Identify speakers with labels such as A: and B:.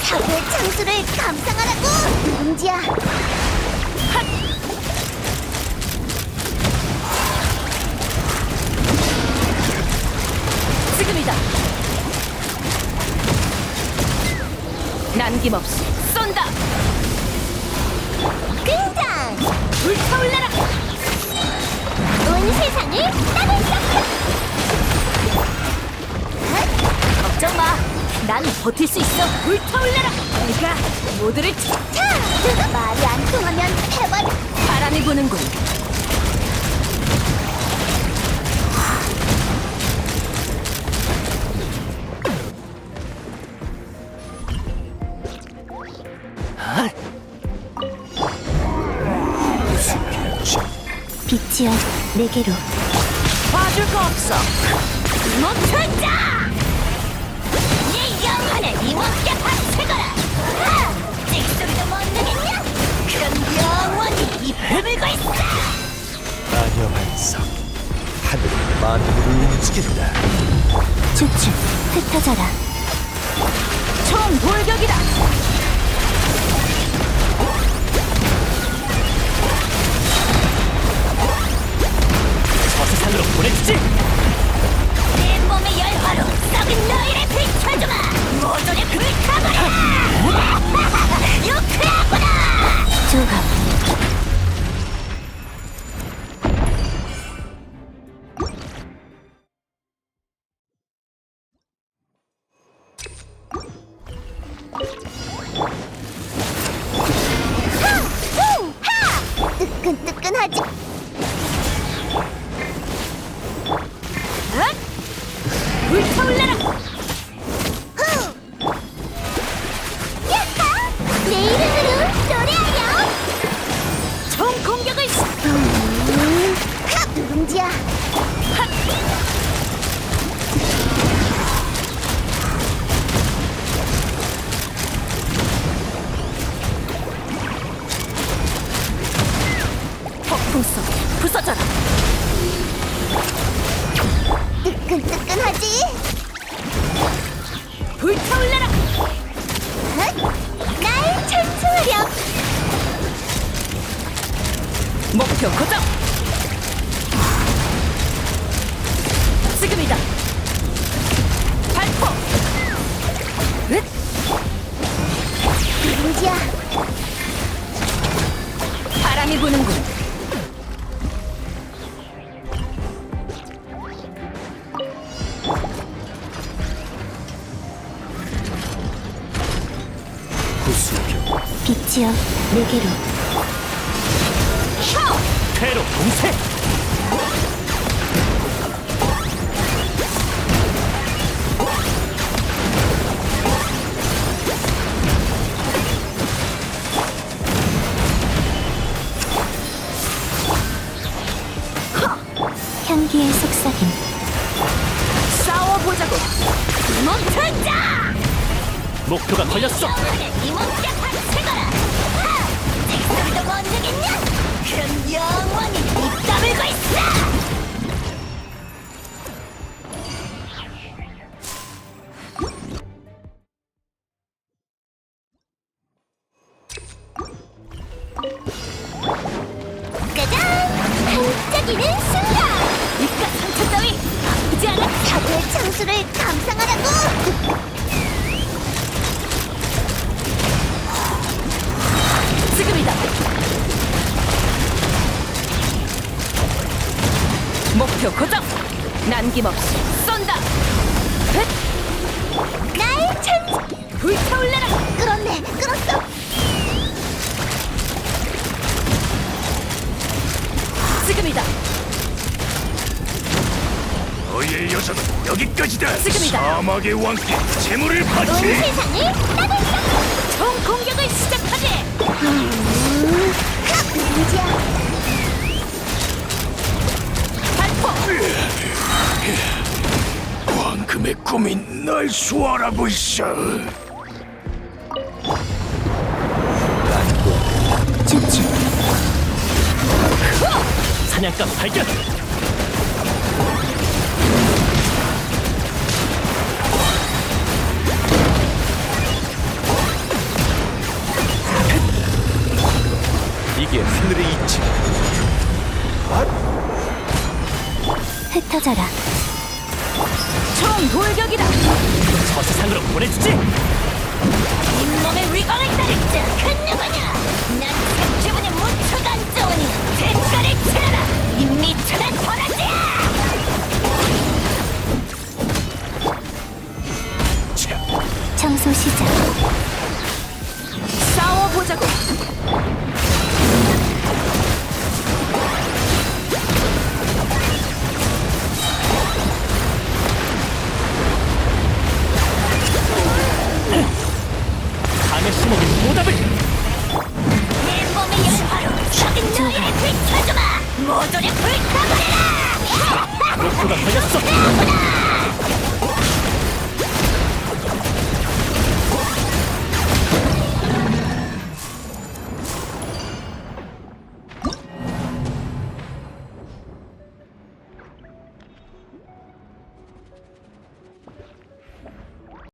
A: 사고의 창수를 감상하라고! 누룽지야!
B: 지금이다. 남김없이 쏜다.
A: 등장!
B: 불타올라라.
A: 온 세상을 따를 수
B: 걱정 마. 난 버틸 수 있어. 불타올라라. 내가 모두를
A: 차! 말이 안 통하면 해봐!
B: 바람이 부는군.
A: 빛이여, 내게로.
B: 봐줄 거 없어.
A: 멈춰자! 네 영혼을 이몸께 바치거라! 찍소리도 못 내겠냐? 그럼 영원히 이 품을고 있어!
C: 마녀 반석 하늘이 만물을 움직인다.
A: 주축, 흩어져라.
B: 총 돌격이다.
C: 저세상으로 보내주지.
A: 내 몸의 열화로 썩은 너희를 비춰주마! 모조리 불타버려! 유쾌하구나! 조합. 뜨끈뜨끈하지?
B: 불타올라라.
A: 야하! 내 이름으로 노래하렴!
B: 총 공격을
A: 누룽지야!
B: 폭풍 속에 부서져라.
A: 뜨끈뜨끈하지?
B: 불타올라라.
A: 날 찬송하렴!
B: 목표 고정. 지금이다. 발포. 으ත්.
A: 누룽지야!
B: 바람이 부는군.
C: 구수병
A: 빛이여, 내게로.
C: 퇴로 공세.
A: 향기의 속삭임.
B: 싸워보자고.
A: 멈춰자!
C: 목표가 걸렸어.
A: 영혼을 이몸께 바치거라! 찍소리도 못 내겠냐? 그럼 영원히 입 다물고 있어! 짜잔! 반짝이는 순간!
B: 입가 상처 따위 아프지 않아.
A: 사고의 창수를 감상하라고!
B: 지금이다. 목표 고정. 남김없이 쏜다. 헥.
A: 날 찬...
B: 불타올라라.
A: 끌었네! 끌었어!
B: 지금이다.
C: 너의 여정은 여기까지다.
B: 지금이다.
C: 사막의 왕께 재물을
A: 온
C: 바치.
A: 세상을 따를 수!
B: 총 공격을 시작하지.
A: 누룽지야!
B: 발포.
C: 황금의 꿈이 날 수월하고 있어.
A: 주축!
C: 사냥감 발견.
D: 이게 하늘의 이치.
A: 흩어져라.
B: 총 돌격이다.
D: 저 세상으로 보내주지.
A: 잇몸의 위광을 따를 자그 누구냐? 난 생기분이 무척 안 좋으니 대가를 치러라. 이 미천한 도라지야. 청소 시작.
B: 싸워보자고.
D: 강의 신에게 보답을.
A: 내 몸의 열화로 적인 너희를 비춰주마. 모조리 불타버려라.